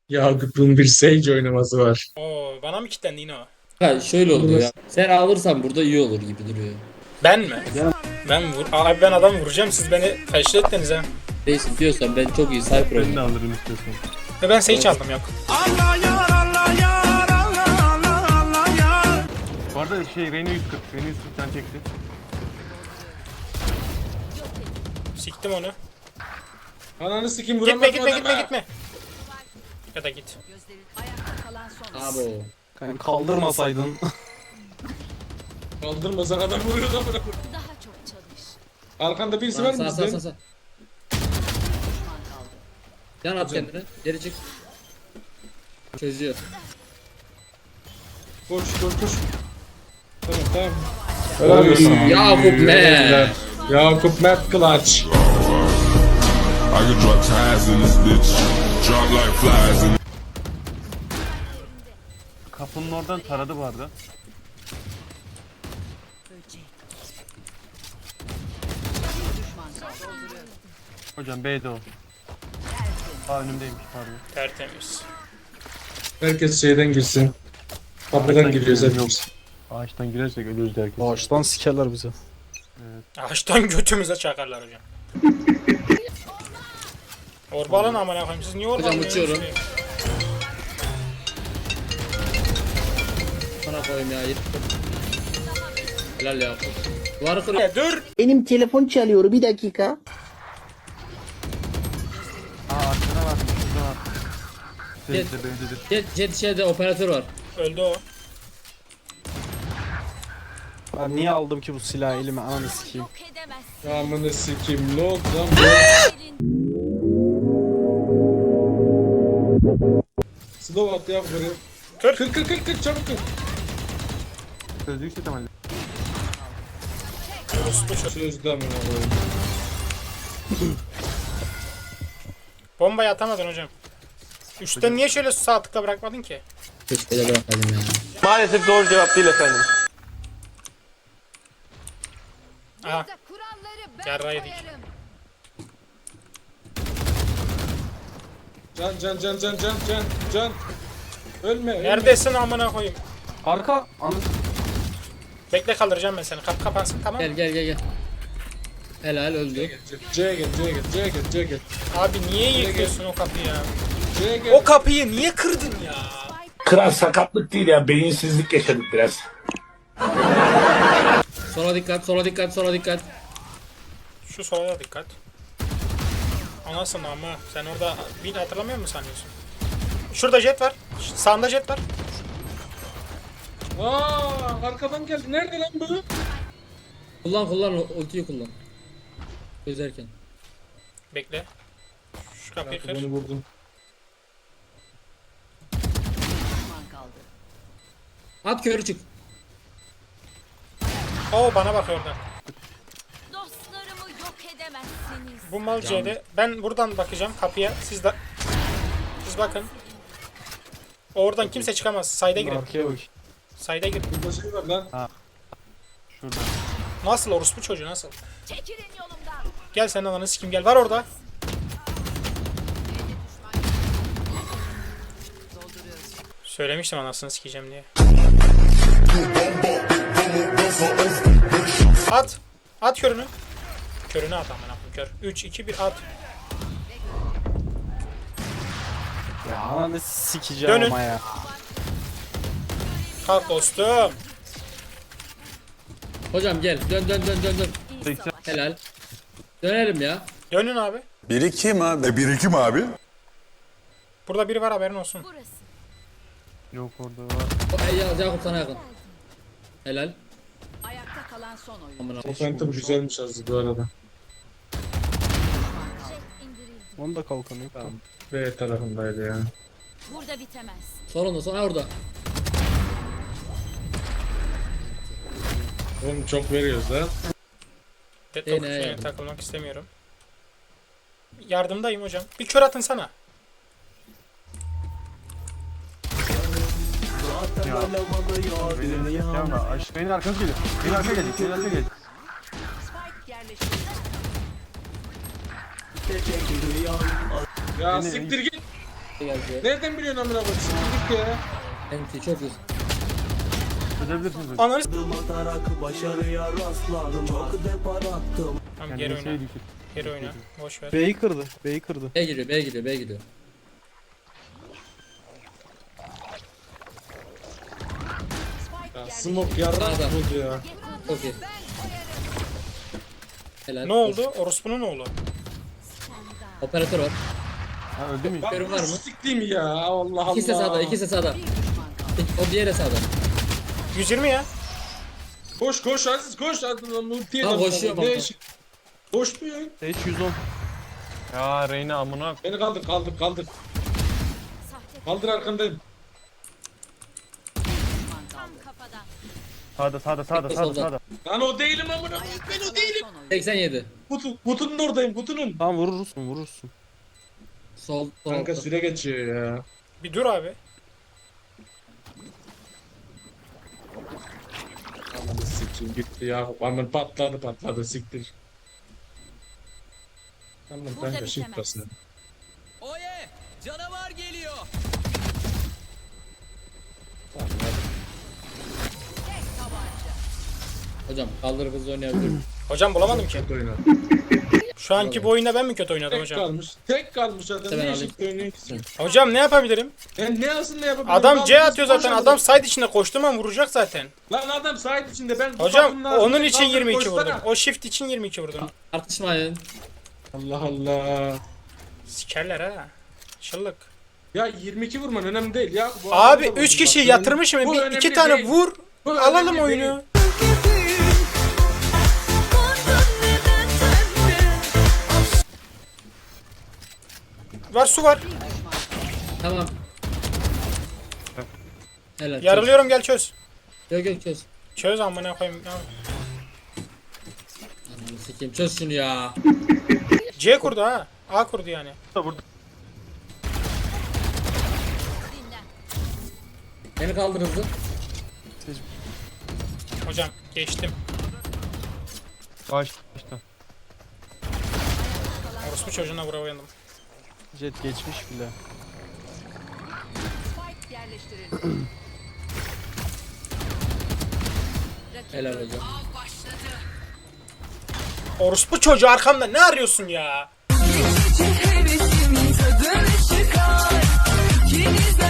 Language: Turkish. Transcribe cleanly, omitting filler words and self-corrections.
Yakup'un bir Sage oynaması var. Oo, bana mı kilitlendi yine o? Ha şöyle oluyor ya. Sen alırsan burada iyi olur gibi duruyor. Ben mi? Abi ben adam vuracağım, siz beni teşhis ettiniz ha. Neyse diyorsan ben çok iyi sniper Ben de oynuyorum. alırım istiyorsan. Ve ben Sage aldım, yok. Bu arada Reyna 140. Reyna 140 can çekti. Siktim onu. Ananı sikeyim Gitme vuramadım gitme adama. gitme. Ya da git. Abo. Kanka kaldırmasaydın. Kaldırmasan adam vuruyordu amına koyayım. Daha çok çalış. Arkanda birisi var mı Sağ sağ bizden? sağ. Yan at kendini. Geri çık. Çözüyor. Koş koş koş. Tamam tamam. Helal olsun. Yakup ne? Yakup Mert Clutch. I could drop ties in this bitch. Drop like flies in Kapının oradan taradı bu arada. Hocam B'de o. Aa önümdeymiş pardon. Tertemiz. Herkes şeyden girsin. Kapıdan giriyoruz hepimiz. Ağaçtan girersek ölürüz herkes. Ağaçtan sikerler bizi. Ağaçtan götümüze çakarlar hocam. Orba alın amına koyayım, siz niye orba Hocam alıyorsunuz uçuyorum. ki? Sana koyayım ya. Helal Yakup. Duvarı kır. Dur. Benim telefon çalıyor, bir dakika. Aa arkada var. Şurada var. Gel. B'de B'dedir. Jet şeyde operatör var. Öldü o. Ben niye aldım ki bu silahı elime, ananı sikeyim. Yok edemezsin. Amına sikeyim ne oldu lan bu? Slow at ya buraya. Kır. Kır çabuk kır. Sözlük set ama. Sözde amına koyayım. Bombayı atamadın hocam. Üstten niye şöyle sağ tıkla bırakmadın ki? Hiç böyle bırakmadım ya. Maalesef doğru cevap değil efendim. Aha. Kuralları ben Yarrağı yedik. koyarım. Can. Ölme. Neredesin amına koyayım? Arka. Bekle, kaldıracağım ben seni. Kapı kapansın, tamam mı? Gel. Helal öldü. C'ye gel. Abi niye yıkıyorsun o kapıyı ya? C'ye gel. O kapıyı niye kırdın ya? Kral sakatlık değil ya, beyinsizlik yaşadık biraz. Sola dikkat. Şu sola da dikkat. Anasını ama sen orada bir hatırlamıyor musun sanıyorsun? Şurada jet var. Sağında jet var. Aa, arkadan geldi. Nerede lan bu? Kullan ultiyi kullan. Çözerken. Bekle. Şu kapıyı kır. Bunu vurdum. At körü çık. Oo, bana bak oradan. Dostlarımı yok edemezsiniz. Bu mal C'de. Ben buradan bakacağım kapıya. Siz bakın. Oradan kimse çıkamaz. Sayda girin. Arkaya bak. Sayda girin. Burada şey var lan. Şurada. Nasıl orospu çocuğu, nasıl? Çekilin yolumdan. Gel sen ananı sikim, gel. Var orada. Söylemiştim anasını sikeceğim diye. At. At körünü. Körünü at amına koyayım, kör. 3 2 1 at. Ya ananı sikeceğim Dönün. ama ya. Kalk dostum. Hocam gel. Dön. 80. Helal. Dönelim ya. Dönün abi. Birikim abi. Birikim abi. Burada biri var, haberin olsun. Burası. Yok orada var. Yakup sana yakın. Helal. Ayakta kalan son oyun. Amına. O Phantom güzelmiş az bu arada. Jet indirildi. Onun da kalkanı yok. Tamam. B tarafındaydı ya. Burada bitemez. Sonra orada. Oğlum çok veriyoruz lan. Deadlock ne şeyine yani? takılmak istemiyorum. Yardımdayım hocam. Bir kör atın sana. Beynin ama Beynin arkası geliyor. Beynin arkaya gelecek. Beynin arkaya gelecek. Ya siktir git. Geldi. Nereden biliyorsun amına koyayım? Siktir ya. Enti çok iyi. Çözebilirsiniz hocam. Ananı s- Tamam geri oyna. Kendisi düşük. Geri oyna. Boş ver. B'yi kırdı. B'yi kırdı. B giriyor, B gidiyor, B gidiyor. Ya smoke yarrak Sağda. buldu ya. Çok iyi. Helal. Ne oldu? Orospu'nun oğlu. Operatör var. Ha öldü mü? Görün var mı? Siktiğim ya. Allah Allah. İkisi de sağda, ikisi de sağda. O diğeri sağda. 120 ya. Koş koş Aziz koş. Multiye Tamam, koşuyorum ama. Koşmuyor. H 110. Ya Reyna amına. Beni kaldır. Kaldır arkandayım. Tam kafadan. Sağda. Lan o değilim amına koyayım. Ben o değilim. 87. Kutunun oradayım kutunun. Tamam vurursun. Sol, Kanka sol. süre geçiyor ya. Bir dur abi. Ananı sikeyim gitti ya. Aman patladı siktir. Tamam Burada kanka shift bitemez. basın. Oye! Canavar geliyor. Tamam hadi. Hocam kaldırıp hızlı oynayabilirim. Hocam bulamadım ki. Kötü oynadı. Şu anki bu oyunda ben mi kötü oynadım Tek hocam? kalmış. Tek kalmış adam. Hemen Ne alayım. shift oynuyor ki sen? Hocam ne yapabilirim? Ne yapsın ne yapabilir? Adam C Kaldır, atıyor zaten. koş Adam side içinde koştuğum an vuracak zaten. Lan adam sahip içinde ben Hocam kapatın lazım. onun için Kaldır, 22 koşsana. vurdum. O shift için 22 vurdum. Tartışmayın. Allah Allah. Sikerler ha. Şıllık. Ya 22 vurman önemli değil ya. Bu Abi adamı da 3 vurdum kişi bak. yatırmışım. Bu Bir, önemli 2 tane değil. vur. Bu Alalım önemli oyunu. Var su var. Tamam. Helal. Yarılıyorum gel çöz. Yok çöz. Çöz amına koyayım. Ananı sikeyim çöz şunu ya. C kurdu ha. A kurdu yani. Burada. Beni kaldır hızlı. Hocam geçtim. Kaç işte. Orospu çocuğuna vurayandım. Jet geçmiş bile. Spike yerleştirildi. Helal hocam. Orospu çocuğu arkamda ne arıyorsun ya? Hevesim tadını çıkar. İkiniz de